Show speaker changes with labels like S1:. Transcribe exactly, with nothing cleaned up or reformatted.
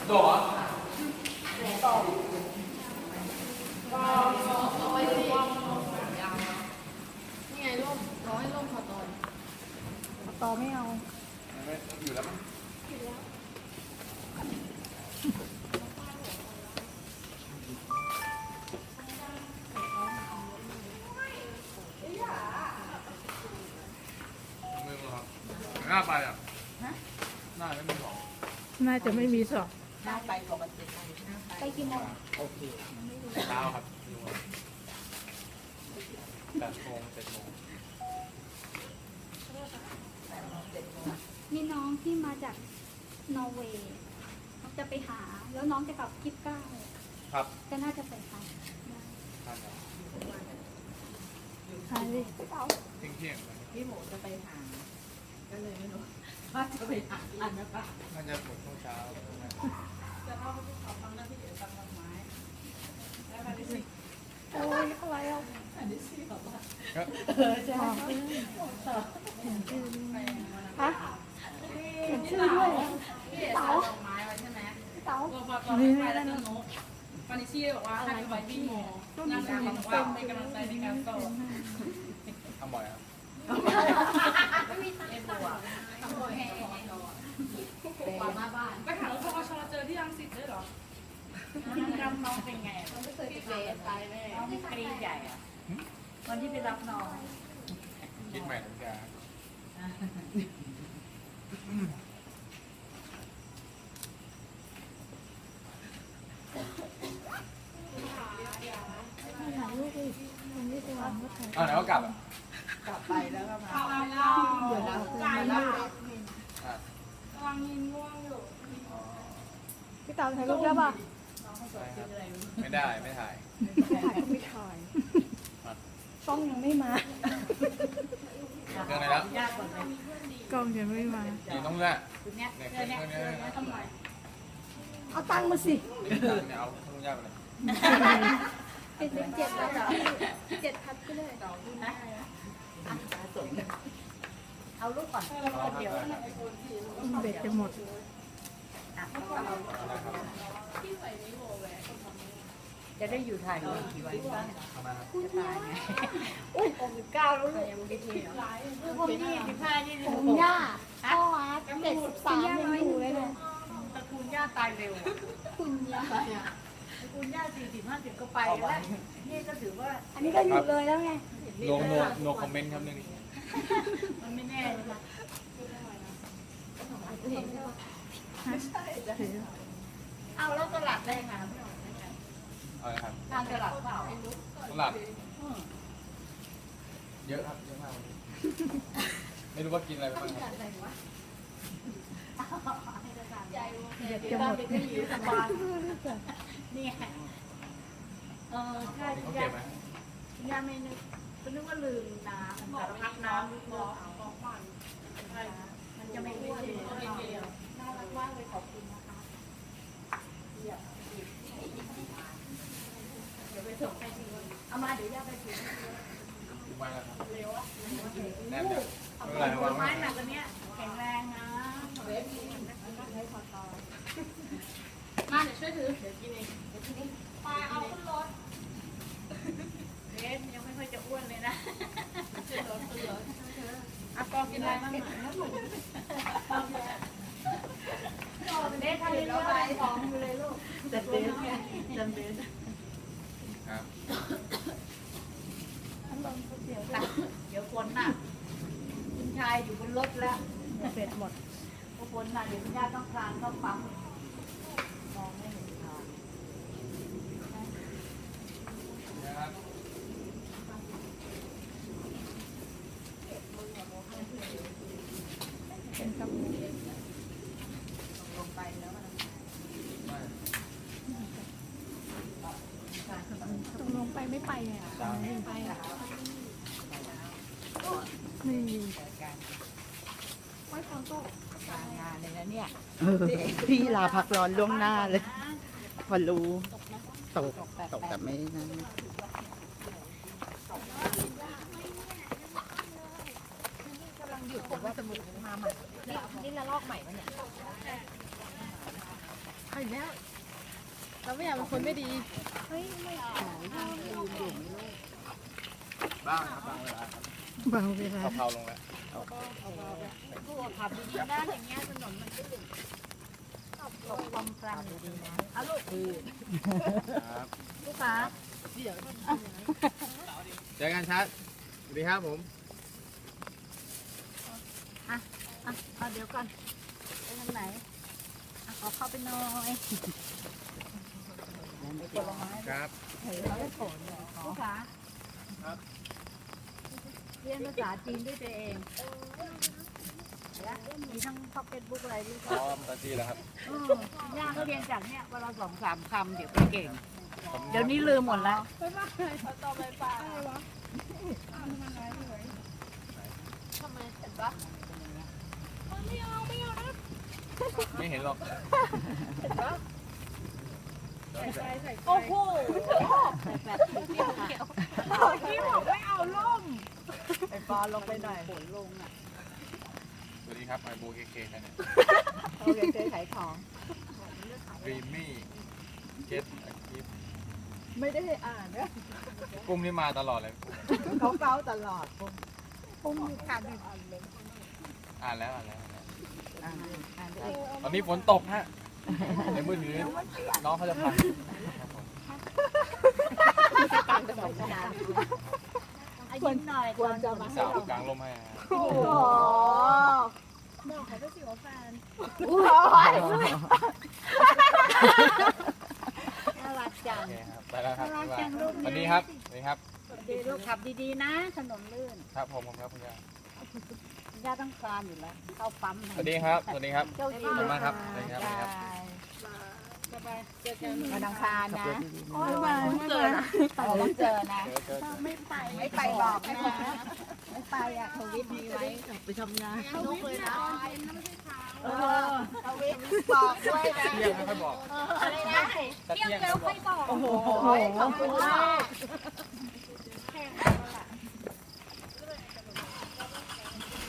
S1: โดดต่อนี่ไงร่มร้อยร่มคอตอนคอตอไม่เอา
S2: อยู่แล้วมั้งมือครับหน้าไปอ่ะหน้าไม่มีสอง
S3: น่าจะไม่มีสอง
S1: หน้าไปปกติไปกี่โมง
S2: โอเคเช้าครับแปดโมงเจ็ดโมง
S4: มีน้องที่มาจากนอร์เวย์จะไปหาแล้วน้องจะกลับกิฟก้า
S2: ครับ
S4: ก็น่าจะไปหา
S3: หาเลย
S2: เที่ยงเที่ยง
S1: พี่หมูจะไปหาก็เลยไม่รู้ว่าจะไปหาอันนะคะ
S2: น่าจะปวดช่วงเช้า
S1: จะเข้าไปที่เขาทำหน้าที่เดี๋ยวตัดดอกไม้แล้วมาดิสิ
S4: โอ้ยอะไรอ่ะ
S1: อันนี้สิบอกว่า
S4: เออใช่
S1: เห็นชื่อ
S4: ฮะเห็นชื่อด้วย
S1: เต๋าดอกไม้ไว้ใช่ไหม
S4: เต๋า
S1: พอพอไปแล้วนกปานิชี่บอกว่าให้ไปพี่โมนั่งคุยบอกว่าเป็นกำลังใจในการต่อ
S2: ทำบ่อยครับ
S1: ไม่มีเอบัวทำบ่อยแห่ปามาบ้านไปหารถพกชเจอที่รังสิตด้วยหรอกิจกรรมน้องเป็นไงต้องไม่เคยไปเจอตายแน่น้องมีกรีใหญ่อะวันที่ไปรับน้อง
S2: คิดใหม่ทุกอย่าง
S3: ถ่ายรูปดิคนที่จะวางก็ถ่าย
S2: อ๋อไหนก็กลับ
S1: กลับไปแล้วก็มา
S3: เดี๋ยวเรา
S1: ใจมาก
S4: กำลังยินง่วงอยู่พี่เต๋าถ่ายรูปได้ป่ะ
S2: ไม่ได้ไม่ถ่าย
S4: ถ่ายก็ไม่ถ่ายกล้องยังไม่มา
S2: เรื่องอะไรแล้ว
S3: กล้องยังไม่มา
S2: อยู่ต้องเลือก
S1: เนี่ยเนี่ยเนี่ยทำไม
S4: เอาตังค์มาสิ
S2: เนี่ยเอาต้องยากเลย
S4: เป็นเป็นเจ็ดแล้วเจ็ดพัดก็เลย
S1: เอาลูกก่อนเดี๋ยว
S3: เบ็ดจะหมด
S1: จะได้อยู่ถ่ายรูปกี่วันจะตายไง
S4: อุ้ยหกสิบเก้าแล้วลูก
S1: ยังไม่ทีลูกคนนี้สิบห้ายี่สิบหก
S4: ผมย่าพ่ออาร์ตเจ็ดสิบสามยังอยู่เลยนะ
S1: ตระกูลย่าตายเร็ว
S4: คุณย่า
S1: ตระกูลย่าสี่สิบห้าสิบก็ไปแล้วนี่ก็ถือว่า
S4: อันนี้ก็หยุดเลยแล้วไง
S2: โนโนโนคอมเมนต์ครับนึง
S1: มันไม่แน่เลยนะเอาแล้วตลาดได้ค่ะ
S2: อะไรครับ
S1: ทานตลาดเปล่า
S2: ตลาดเยอะครับเยอะมากไม่รู้ว่ากินอะไรบ้างครับ
S3: เบ็ดจะหมด
S1: นี่ไงเออใช่
S2: ต้องเก็บไหม
S1: ย่าไม่นึกก็นึกว่าลืมน้ำสารพัดน้ำลูกบอกบอกมันมันจะไม่อ้วนน่ารักมากเลยขอบคุณนะคะเดี๋ยวไปส่งให้ทีเอามาเดี๋ยวย่าไปถึง
S2: มาแล้วครับ
S1: เร็วอ่ะ
S2: แน่นเลย
S1: ไม่เป็นไรไม้หนักอันเนี้ยแข็งแรงนะเวฟนี่ให้พอต่อมาเดี๋ยวช่วยถือเดี๋ยวกินเองเดี๋ยวกินเองปลาเอาขึ้นรถเวฟยังไม่ค่อยจะอ้วนเลยนะขึ้นรถขึ้นรถอ่ะกองกินอะไรบ้างนะลูกเด็กทำเรื่องอะไรของอยู่เลยลูกจัดเด็กจัดเด็ก
S2: ครับ
S1: เดี๋ยวคนน่ะคุณชายอยู่บนรถแล้ว
S3: เบ็ดหมด
S1: พอคนน่ะเดี๋ยวคุณย่าต้องคลานเข้าปั๊มมองไม่เห็นทาง
S3: เป็นกับ
S1: ลงไปแล้วมัน
S3: ตรงลงไปไม่ไปอ่ะไม่ไปอ่ะนี่
S1: ไม่ฟังก็การงานเลยนะเนี่ย
S5: พี่ลาพักร้อนล่วงหน้าเลยพอรู้ตกตกแต่ไม่นั่น
S1: กำลังหยุดผมว่าสมุดมาใหม่นี่ละลอกใหม่วะเนี่ย
S3: ใคร
S1: อีกแล้วเราไม่อยากเป็นคนไม่ดี
S2: บ้างครับบางเวลาครับ
S3: บางเวลา
S2: เผาๆลงแล้ว
S1: ขับดีๆนะอย่างเงี้ยถนนมันลื่นตกความกลางดีๆนะเอาลูก
S2: ครับ
S1: ลูกค้า
S2: เจอกันชัดสวัสดีครับผม
S1: อ่ะเอาเดี๋ยวก่อนไปทางไหนอ่ะขอเข้าไปหน่อยผลไม้
S2: ครับ
S1: ลูกค้าเรียนภาษาจีนด้วยตัวเองและมีทั้งพ็อกเก็ตบุ๊กอะไรด้วย
S2: พร้อมตาจีแล้วครับ
S1: อือย่าก็เรียนจากเนี่ยวันละสองสามคำเดี๋ยวไปเก่ง เดี๋ยวนี้ลืมหมดแล้ว
S2: ไม่เห็นหรอก
S1: โอ้โหแบบเกี่ยวเกี่ยวพี่บอกไม่เอาล่มไอ้ปอลงไปหน่อยฝนลงอ่ะ
S2: สวัสดีครับไอโบเคเคกันเนี่ย
S1: โอเคเคยขายของ
S2: ดรีมมี่เก็ตอาชีพ
S1: ไม่ได้ให้อ่านนะ
S2: กุ้งนี่มาตลอดเลย
S1: เขาเก้าตลอดปุ้มขาดหนึ่ง
S2: อ่านแล้วอ่านแล้วอ่านแล้ว
S1: อ่านอ่าน
S2: ตอนนี้ฝนตกฮะในมือถือน้องเขาจะพัง
S1: อายิ้มหน่อยควรจะมา
S2: สาวกลางลมให้ฮะ
S1: โอ้โห
S3: บอกเขาด้วยสิว่าแฟน
S1: น่ารักจั
S2: โอง เคครับไปแล้วครับ
S1: น่ารักจังลูก
S2: สวัสดีครับสวัสดีครับ
S1: ดีลูกขับดีๆนะถนนลื่น
S2: ครับผมผมครับคุณย่า
S1: ย่าต้องคลานอยู่แล้วเข้าปั๊ม
S2: สวัสดีครับสวัสดีครับ
S1: เจ้า
S2: ข
S1: ดี
S2: อบคุณมากครับสวัสดีครับสวัสดีครับ
S1: สบายเจอกันวันอังคารนะ
S3: โอ้ยบางเกิด
S1: เอาต้องเจอนะ
S2: เจอเจอเจอ
S3: ไม่ไป
S1: ไม่ไปบอกนะไม่ไปอ่ะทวิตมีไว้
S3: ไปทำงาน
S1: ลูกเลยนะเออทวิตบอกด้วยนะ
S2: เที่ยงไม่ค่อยบอก
S1: อะไรนะ
S2: จะเที่ยงไม่ค่อยบอก
S1: โอ้โหขอบคุณมาก